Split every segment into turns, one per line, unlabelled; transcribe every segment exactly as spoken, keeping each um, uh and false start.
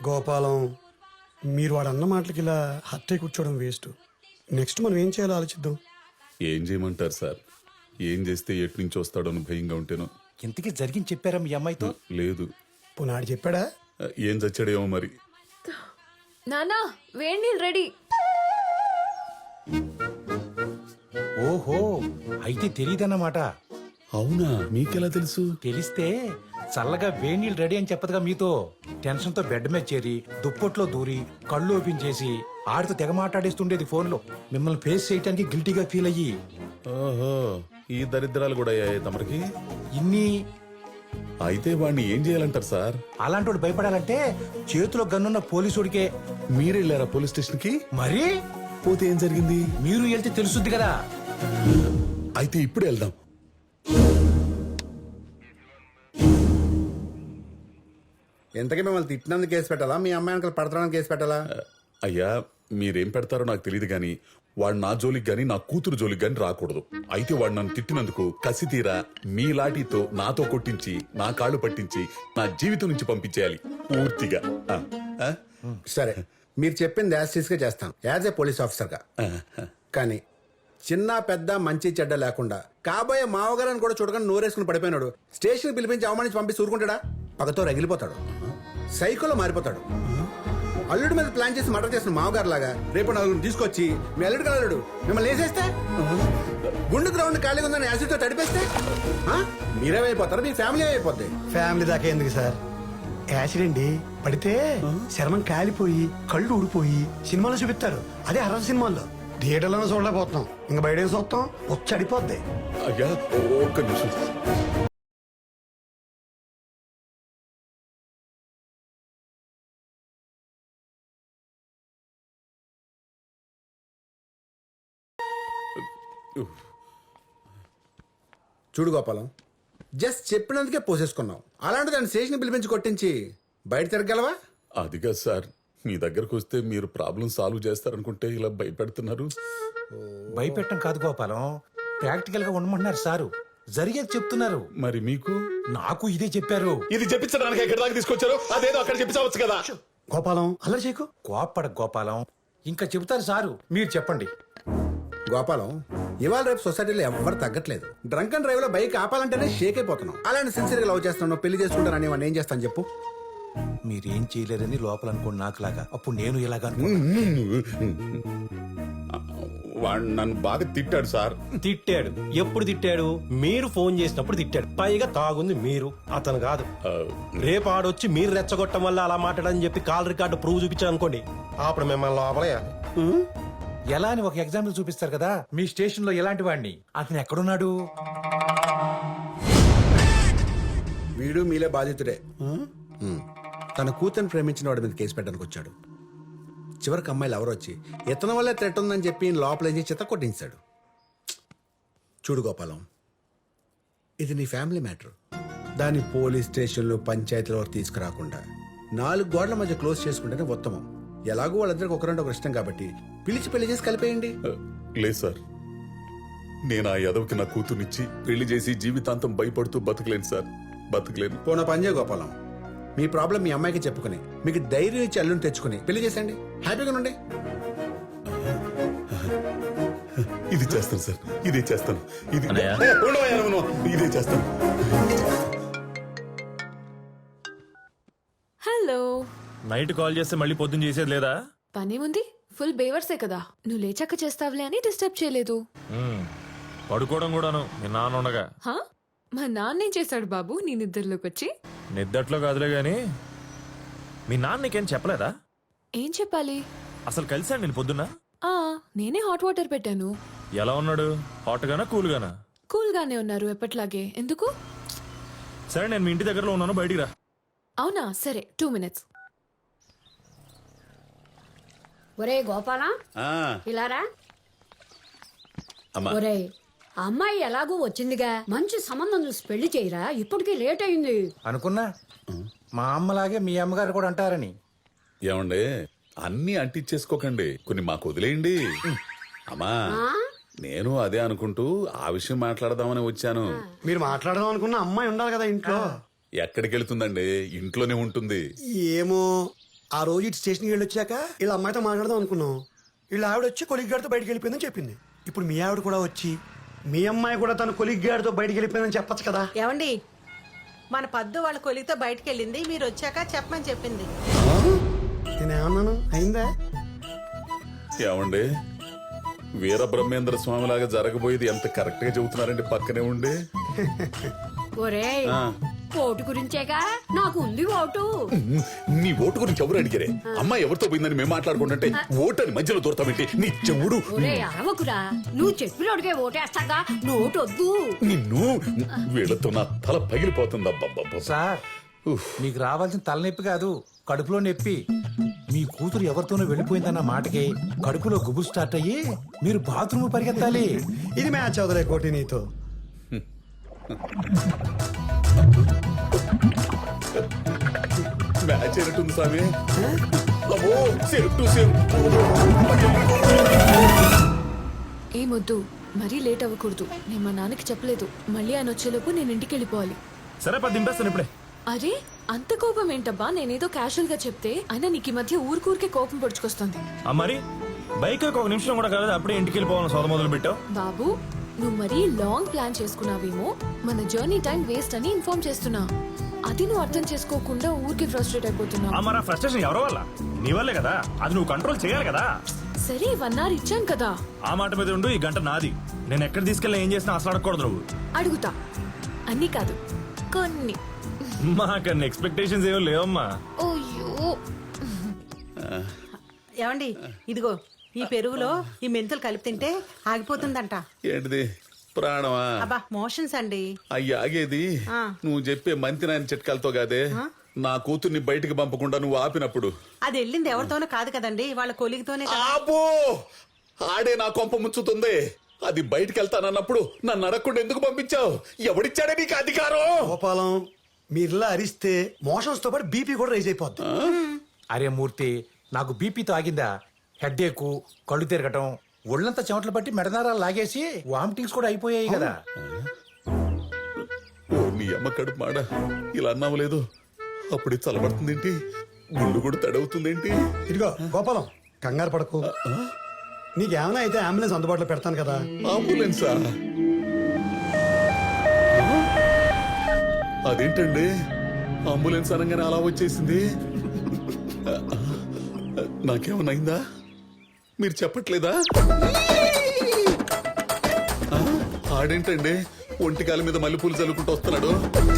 గోపాలం, మీరు వాడు అన్న మాటలకి ఇలా హత్య కూర్చోవడం వేస్ట్. నెక్స్ట్ మనం ఏం చేయాలో ఆలోచిద్దాం.
ఏం చేయమంటారు సార్? ఏం చేస్తే ఎటు నుంచి వస్తాడో అని భయంగా ఉంటేనో.
ఇంతకీ జరిగింది చెప్పారా మీ అమ్మాయితో?
లేదు.
పునాడు చెప్పాడా?
ఏం చచ్చాడేమో మరి.
నానా వేడి నీళ్ళు రెడీ.
ఓహో, అయితే తెలియదన్నమాట.
అవునా? మీకెలా తెలుసు?
తెలిస్తే చల్లగా వేణీళ్ళు రెడీ అని చెప్పదుగా మీతో. టెన్షన్ తో బెడ్ మీద చేరి దుప్పట్లో దూరి కళ్ళు ఓపెన్ చేసి ఆడితో తెగ మాట్లాడేస్తుండేది ఫోన్ లో, మిమ్మల్ని ఫేస్ చేయడానికి గిల్టీగా ఫీల్ అయ్యి.
ఓహో, ఈ దరిద్రాలు కూడా అయ్యాయి తమరికి.
ఇన్ని
అయితే వాడిని ఏం చేయాలంటారు సార్?
అలాంటి వాడు భయపడాలంటే చేతిలో గన్నున్న పోలీసుడికే.
మీరు వెళ్ళారా పోలీస్ స్టేషన్ కి?
మరి
పోతే ఏం జరిగింది?
మీరు వెళ్తే తెలుసుద్ది కదా.
అయితే ఇప్పుడు వెళ్దాం.
ఎంతకీ మిమ్మల్ని తిట్టినందుకు కేసు పెట్టాలా, మీ అమ్మాయి అంకల్ పడతానికి కేసు పెట్టాలా?
అయ్యా, మీరేం పెడతారో నాకు తెలియదు గాని వాడు నా జోలికి గాని నా కూతురు జోలికి గాని రాకూడదు. అయితే వాడు నన్ను తిట్టినందుకు కసి తీరా మీ లాఠీతో నాతో కొట్టించి నా కాళ్ళు పట్టించి నా జీవితం నుంచి పంపించేయాలి పూర్తిగా. ఆ, ఆ?
సరే, మీరు చెప్పింది యాజ్ గా చేస్తాం యాజ్ ఏ పోలీస్ ఆఫీసర్ గా. కానీ చిన్న పెద్ద మంచి చెడ్డ లేకుండా కాబోయే మావగారని కూడా చూడకుండా నోరేసుకుని పడిపోయినాడు స్టేషన్ పిలిపించి అవమానించి పంపిస్తే ఊరుకుంటాడా? పగతో రగిలిపోతాడు, సైకోలో మారిపోతాడు. అల్లుడి మీద ప్లాన్ చేసి మర్డర్ చేసిన మావగారు లాగా రేపు నలుగురు తీసుకొచ్చి మీ అల్లుడు కలడు మిమ్మల్ని వేసేస్తే, గుండు గ్రౌండ్ ఖాళీగా ఉందని యాసిడ్తో తడిపేస్తే ఆ? మీరేమైపోతారు, మీ ఫ్యామిలీ అయిపోద్ది.
ఫ్యామిలీ దాకా ఎందుకు సార్? యాక్సిడెంట్ పడితే చర్మం కాలిపోయి కళ్ళు ఊడిపోయి సినిమాలో చూపిస్తారు. అదే హర్రర్ సినిమాల్లో. థియేటర్లోనే చూడలేకపోతున్నాం, ఇంకా బయట ఏం చూస్తాం? వచ్చి అడిపోద్ది.
అయ్యా ఒక్క నిమిషం.
చూడు గోపాలం, జస్ట్ చెప్పినందుకే పోసేసుకున్నావు. అలాంటి దాన్ని స్టేషన్ పిలిపించి కొట్టించి బయట తిరగలవా?
అదిగా సార్, మీ దగ్గరకు వస్తే మీరు ప్రాబ్లం సాల్వ్ చేస్తారనుకుంటే ఇలా భయపెడుతున్నారు.
భయపెట్టం కాదు గోపాలం, ప్రాక్టికల్ గా ఉండమంటున్నారు సారు. జరిగేది చెప్తున్నారు.
మరి మీకు?
నాకు ఇదే చెప్పారు.
ఇది చెప్పించడానికి ఎక్కడి దాకా తీసుకొచ్చారు? అదేదో అక్కడ చెప్పించవచ్చు కదా.
గోపాలం అల్లరి చేయకు.
కోప్పడ గోపాలం, ఇంకా చెబుతారు సారు, మీరు చెప్పండి.
గోపాలం, ఇవాళ రేపు సొసైటీలో ఎవరు తగ్గట్లేదు. డ్రంక్ అండ్ డ్రైవ్ లో బైక్ ఆపాలంటేనే షేక్ అయిపోతున్నాం. అలాంటి సిన్సియర్ గా లవ్ చేస్తున్నావు, పెళ్లి చేసుకుంటానని వాడిని ఏం చేస్తాను చెప్పు?
మీరేం చేయలేరని లోపల అనుకోండి నాకులాగా. అప్పుడు నేను ఇలాగా
వాడు నన్ను బాగా తిట్టాడు సార్.
తిట్టాడు. ఎప్పుడు తిట్టాడు? మీరు ఫోన్ చేసినప్పుడు తిట్టాడు. పైగా తాగుంది మీరు, అతను కాదు. రేపు ఆడొచ్చి మీరు రెచ్చగొట్టడం వల్ల అలా మాట్లాడని చెప్పి కాల్ రికార్డు ప్రూవ్ చూపించాను అనుకోండి, అప్పుడు మిమ్మల్ని లోపలేయాలి.
ఎలా అని ఒక ఎగ్జాంపుల్ చూపిస్తారు కదా. మీ స్టేషన్ లో ఎలాంటి వాడిని, అతను ఎక్కడున్నాడు?
వీడు మీలే బాధితుడే. తన కూతురు ప్రేమించిన వాడి మీద కేసు పెట్టడానికి వచ్చాడు. చివరికి అమ్మాయిలు ఎవరు వచ్చి ఇతని వల్లే థ్రెట్ ఉందని చెప్పి లోపల ఏం చెత్త కొట్టించాడు. చూడు గోపాలం, ఇది నీ ఫ్యామిలీ మ్యాటర్. దాన్ని పోలీస్ స్టేషన్లు పంచాయతీల వరకు తీసుకురాకుండా నాలుగు గోడల మధ్య క్లోజ్ చేసుకుంటేనే ఉత్తమం. ఎలాగో వాళ్ళందరికీ ఒకరంటే ఒక ఇష్టం కాబట్టి పిలిచి పెళ్లి చేసి కలిపేయండి.
లేదు సార్, నేను ఆ యదవకి నా కూతుర్నిచ్చి పెళ్లి చేసి జీవితాంతం భయపడుతూ బతకలేను సార్, బతకలేను.
పోన పంజే గోపాలం, మీ ప్రాబ్లం మీ అమ్మాయికి చెప్పుకుని మీకు ధైర్యం ఇచ్చి అల్లుని తెచ్చుకుని పెళ్లి చేసేయండి, హ్యాపీగా ఉండండి.
ఇది చేస్తాను సార్, ఇదే చేస్తాను. ఇది ఉండవయ్యా, ఉండవు. ఇదే చేస్తాను.
హలో.
నైట్ కాల్ చేస్తే మళ్ళీ పొద్దున్న చేసేది లేదా?
పనేముంది, ఫుల్ బేవర్సే కదా. నువ్వు లేచాక చేస్తావులే అని డిస్టర్బ్ చేయలేదు.
పడుకోవడం కూడాను మీ నాన్న ఉండగా.
హా, మా నాన్నేం చేశాడు బాబు నీ నిద్రలోకి వచ్చి?
నిద్దట్లో కాదులే గాని మీ నాన్న నీకేం చెప్పలేదా?
ఏం చెప్పాలి?
అసలు కలిసాను నేను పొద్దున్న.
ఆ నేనే హాట్ వాటర్ పెట్టాను.
ఎలా ఉన్నాడు? హాట్ గానా కూల్ గానా?
కూల్ గానే ఉన్నారు ఎప్పట్లాగే. ఎందుకు?
సరే, నేను మీ ఇంటి దగ్గరలో ఉన్నాను, బయటికి రా.
అవునా, సరే, టూ మినిట్స్.
ఒరే గోపాలా,
ఆ,
ఇలారా.
అమ్మా.
ఒరే, అమ్మాయి ఎలాగూ వచ్చిందిగా, మంచి సంబంధం చూసి పెళ్లి చేయరా, ఇప్పటికీ లేట్ అయింది.
అనుకున్నా మా అమ్మలాగే మీ అమ్మగారు కూడా అంటారని.
ఏమండే, అన్ని అంటించేసుకోకండి, కొన్ని మాకు వదిలేయండి. అమ్మా, నేను అదే అనుకుంటూ ఆ విషయం మాట్లాడదామని వచ్చాను.
మీరు మాట్లాడదాం అనుకున్న అమ్మాయి ఉండాలి కదా ఇంట్లో.
ఎక్కడికి వెళ్తుందండి? ఇంట్లోనే ఉంటుంది.
ఏమో, ఆ రోజు ఇటు స్టేషన్కి వెళ్ళి వచ్చాక వీళ్ళ అమ్మాయితో మాట్లాడదాం అనుకున్నాం. వీళ్ళ ఆవిడ వచ్చి కొలిగ్ గారితో బయటికి వెళ్ళిపోయిందని చెప్పింది. ఇప్పుడు మీ ఆవిడ కూడా వచ్చి మీ అమ్మాయి కూడా తన కొలిగ్ గారితో బయటికి వెళ్ళిపోయిందని చెప్పొచ్చు కదా.
ఏమండి మన పద్దు వాళ్ళ కొలితో బయటికి వెళ్ళింది, మీరు వచ్చాక చెప్పమని చెప్పింది.
నేనేమన్నాను అయిందా?
ఏమండి వీరబ్రహ్మేంద్ర స్వామి లాగా జరగబోయేది ఎంత కరెక్ట్ గా చెబుతున్నారండి పక్కనే ఉండి.
ఒరేయ్
ఆ.
ఓటు గురించేగా నాకు ఉంది ఓటు.
నీ ఓటు గురించి ఎవరు అడిగారే? అమ్మాయి ఎవరితో పోయిందని మేము మాట్లాడుకుంటుంటే ఓటు అని మధ్యలో దూరతామేంటి? నీ చెవుడు
ఒరే అరవకురా, నువ్వు చెప్పినోడికే ఓటేస్తాగా, నోటు వద్దు.
నిన్ను వీళ్ళతో నా తల పగిలిపోతుందబ్బా.
సార్ మీకు రావాల్సిన తలనొప్పి కాదు, కడుపులో నొప్పి. మీ కూతురు ఎవరితోనో వెళ్ళిపోయిందన్న మాటకి కడుపులో గుబులు స్టార్ట్ అయ్యి మీరు బాత్రూమ్ పరిగెత్తాలి.
ఇది మ్యాచ్ అవదలే కోటి నీతో.
మ్యాచ్ అయినట్టుంది స్వామి. అబ్బో, సేవ్ టు సేవ్.
ఏమొద్దు, మరీ లేట్ అవ్వకూడదు. నేను మా నాన్నకి చెప్పలేదు. మళ్ళీ ఆయన వచ్చేలోపు నేను ఇంటికి వెళ్ళిపోవాలి.
సరే పది దింపేస్తాను ఇప్పుడే.
అరే అంత కోపం ఏంటబ్బా? నేనేదో క్యాషువల్ గా చెప్తే అయినా నీకు ఈ మధ్య ఊరికూరికే కోపం పొడుచుకొస్తుంది.
ఆ మరి బైక్ ఒక నిమిషం కూడా కాదు, అప్పుడే ఇంటికి వెళ్ళిపోవాలని సోద మొదలు పెట్టావు.
బాబు నువ్వు మరీ లాంగ్ ప్లాన్ చేసుకున్నావేమో, మన జర్నీ టైం వేస్ట్ అని ఇన్ఫార్మ్ చేస్తున్నా. అది నువ్వు అర్థం చేసుకోకుండా ఊరికి ఫ్రస్ట్రేట్ అయిపోతున్నావు.
ఆ మరి ఆ ఫ్రస్ట్రేషన్ ఎవరి వల్ల? నీ వల్లే కదా. అది నువ్వు కంట్రోల్ చేయాలి కదా.
సరే వన్ అవర్ ఇచ్చాను కదా.
ఆ మాట మీద ఉండు, ఈ గంట నాది. నేను ఎక్కడ తీసుకెళ్ళి ఏం చేసినా అసలు అడగకూడదు నువ్వు.
అడుగుతా, అన్ని కాదు కొన్ని.
మాకన్నా ఎక్స్పెక్టేషన్స్ ఏమో లేవమ్మా.
ఓయ్యో
ఏమండి ఇదిగో ఈ పెరుగులో ఈ మెంతులు కలిపి తింటే ఆగిపోతుందంట.
ఏంటిది ప్రాణమా?
అబ్బా మోషన్స్ అండి.
అయ్యి ఆగేది
ఆ.
నువ్వు చెప్పే మంతి నాయన చిట్కాలతో కాదే. నా కూతుర్ని బయటికి పంపకుండా నువ్వు ఆపినప్పుడు.
అది వెళ్ళింది ఎవరితోనో కాదు కదండి, వాళ్ళ కొలిగితోనే కదా.
ఆపో, ఆడే నా కొంప ముంచుతుంది. అది బయటికి వెళ్తానన్నప్పుడు నన్ను అడగకుండా ఎందుకు పంపించావు? ఎవడిచ్చాడే నీకు అధికారం?
గోపాలం మీరిలా అరిస్తే మోషన్స్ తో పాటు బీపీ కూడా రైజ్ అయిపోద్ది.
అరే మూర్తి, నాకు బీపీతో ఆగిందా? హెడ్ ఏకు, కళ్ళు తిరగటం, ఒళ్ళంతా చెమటలు పట్టి మెడనారాలు లాగేసి వామిటింగ్స్ కూడా అయిపోయాయి కదా.
ఓ నీ అమ్మ కడుపు మాడ, ఇలా అన్నావు లేదు. అప్పుడే చల్లబడుతుందేంటి? గుండు కూడా తడవుతుందేంటి?
ఇదిగో గోపాలం కంగారు పడకు. నీకేమైనా అయితే అంబులెన్స్ అందుబాటులో పెడతాను కదా.
అంబులెన్సా? అదేంటండి అంబులెన్స్ అనగానే అలా వచ్చేసింది? నాకేమన్నా అయిందా? మీరు చెప్పట్లేదా? ఆ, ఆడేంటండి ఒంటికాల మీద మల్లెపూలు చల్లుకుంటూ వస్తున్నాడు?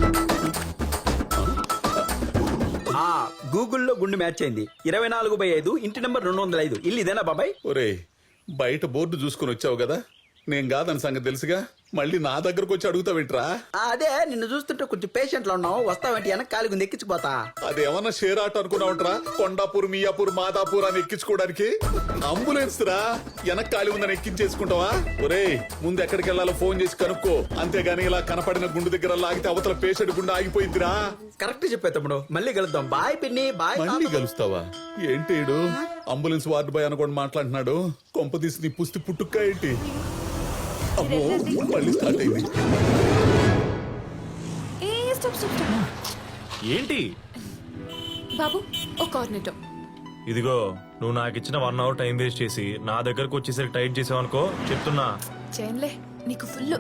గూగుల్లో గుండు మ్యాచ్ అయింది. ఇరవై నాలుగు బై ఐదు ఇంటి నెంబర్ రెండు వందల ఐదు. ఇల్లు ఇదేనా బాబాయ్?
ఒరేయ్ బయట బోర్డు చూసుకుని వచ్చావు కదా, నేను కాదని సంగతి తెలుసుగా. మళ్ళీ నా దగ్గరకు వచ్చి అడుగుతావేంట్రా?
అదే నిన్ను చూస్తుంటే కొంచెం పేషెంట్ లో ఉన్నావు. వస్తావేంటి? వెనక కాలికి ఎక్కించిపోతా.
అదేమన్నా షేర్ ఆట అనుకున్నావుట్రా? కొండాపూర్, మియాపూర్, మాదాపూర్ అని ఎక్కించుకోవడానికి అంబులెన్స్ రా. వెనక ఖాళీ ఉందని ఎక్కించేసుకుంటావా? ఒరేయ్ ముందు ఎక్కడికి వెళ్ళాలో ఫోన్ చేసి కనుక్కో. అంతేగాని ఇలా కనపడిన గుండు దగ్గర లాగితే అవతల పేషెంట్ గుండె ఆగిపోయిందిరా.
కరెక్ట్ చెప్పే తమ్ముడు. మళ్ళీ కలుద్దాం. బాయ్ పిన్ని. బాయ్.
మళ్ళీ కలుస్తావా? ఏంటి ఈడు అంబులెన్స్ వార్డు బాయ్ అనుకోని మాట్లాడుతున్నాడు? కొంప తీసి నీ పుస్తి పుట్టుక్క ఏంటి? అమ్మో మళ్ళీ స్టార్ట్ అయింది.
ఏ స్టాప్ స్టాప్ స్టాప్.
ఏంటి
బాబు ఒక కార్నెటో.
ఇదిగో నువ్వు నాకు ఇచ్చిన వన్ అవర్ టైం వేస్ట్ చేసి నా దగ్గరకు వచ్చేసరికి టైట్ చేసావు అనుకో, చెప్తున్నా.
చేన్లే నీకు ఫుల్.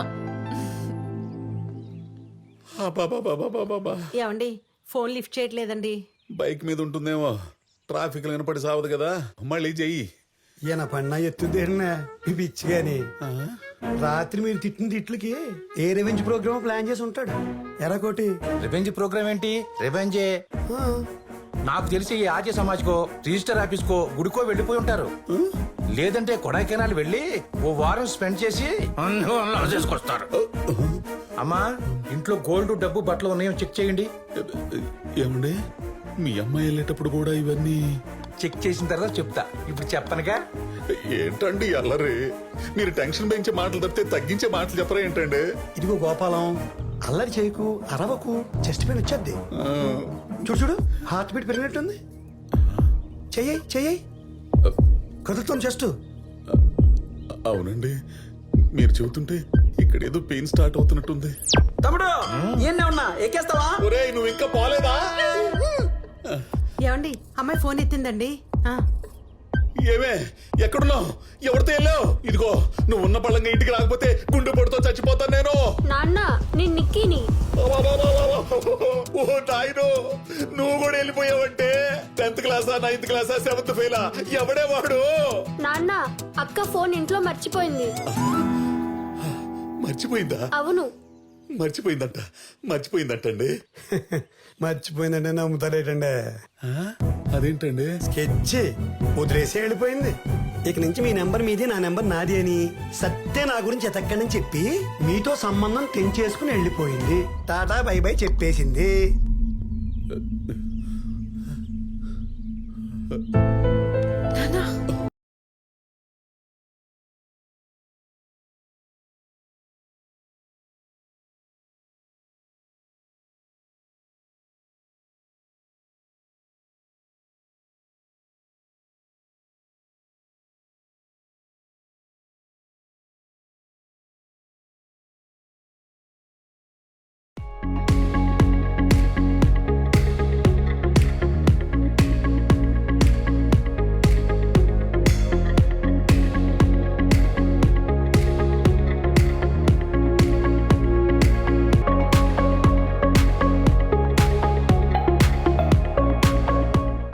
ఏమండి ఫోన్ లిఫ్ట్ చేయట్లేదండి.
బైక్ మీద ఉంటుందేమో, ట్రాఫిక్ వినపడి సావదు కదా. మళ్ళీ చెయ్యి.
ఈయన పన్నా ఎత్తుదేనా పిచ్చి గాని. రాత్రి మీరు తిట్టిన తిట్లకి ఏ రివెంజ్ ప్రోగ్రామ్ ప్లాన్ చేసి ఉంటాడు. ఎరాకోటి
రివెంజ్ ప్రోగ్రామ్ ఏంటి? రివెంజే. నాకు తెలిసి ఈ ఆర్య సమాజ్ కో, రిజిస్టర్ ఆఫీస్ కో, గుడికో వెళ్ళిపోయి ఉంటారు. లేదంటే కొడైకెనాల్ వెళ్ళి ఓ వారం స్పెండ్ చేసి చేసుకొస్తారు. అమ్మా ఇంట్లో గోల్డ్, డబ్బు, బట్టలు ఉన్నాయో చెక్ చేయండి.
ఏమండి మీ అమ్మాయి వెళ్ళేటప్పుడు కూడా ఇవన్నీ
చెక్ చేసిన తర్వాత చెప్తా. ఇప్పుడు చెప్పనుగా.
ఏంటండి అల్లరి? మీరు టెన్షన్ పెంచే మాటలు తప్పితే తగ్గించే మాటలు చెప్పరా ఏంటండి?
ఇదిగో గోపాలం అల్లరి చేయకు, అరవకు, చెస్ట్ పెయిన్ వచ్చేద్ది. చూడు చూడు హార్ట్ బీట్ పెరిగినట్టుంది. చెయ్యి చెయ్యి కదులుతాం చెస్ట్.
అవునండి మీరు చెబుతుంటే ఇక్కడ ఏదో పెయిన్ స్టార్ట్ అవుతున్నట్టుంది.
తమ్ముడు ఏం ఉన్నా ఎక్కేస్తావా?
ఒరేయ్ నువ్వు ఇంకా పోలేదా?
ఏమండి అమ్మాయి ఫోన్ ఎత్తిందండి ఆ,
ఏమే ఎక్కడున్నావు ఎవరితో వెళ్ళావు ఇదిగో నువ్వు ఉన్న పళ్ళంగా ఇంటికి రాకపోతే గుండె పొడితో చచ్చిపోతాను నేను
నాన్న నేను నిక్కీని.
ఓ నాయనో నువ్వు కూడా వెళ్ళిపోయావంటే టెన్త్ క్లాసా నైన్త్ క్లాసా సెవెంత్ ఫెయిలా ఎవడే వాడు
నాన్న అక్క ఫోన్ ఇంట్లో మర్చిపోయింది.
మర్చిపోయిందా
అవును.
మర్చిపోయిందంట మర్చిపోయిందంటండి
మర్చిపోయిందంటే నమ్ముతారేటండి.
అదేంటండి
స్కెచ్ వదిలేసే వెళ్ళిపోయింది. ఇక నుంచి మీ నెంబర్ మీది నా నెంబర్ నాది అని సత్య నా గురించి ఎతక్కడని చెప్పి మీతో సంబంధం తెంచేసుకుని వెళ్ళిపోయింది. టాటా బై బై చెప్పేసింది.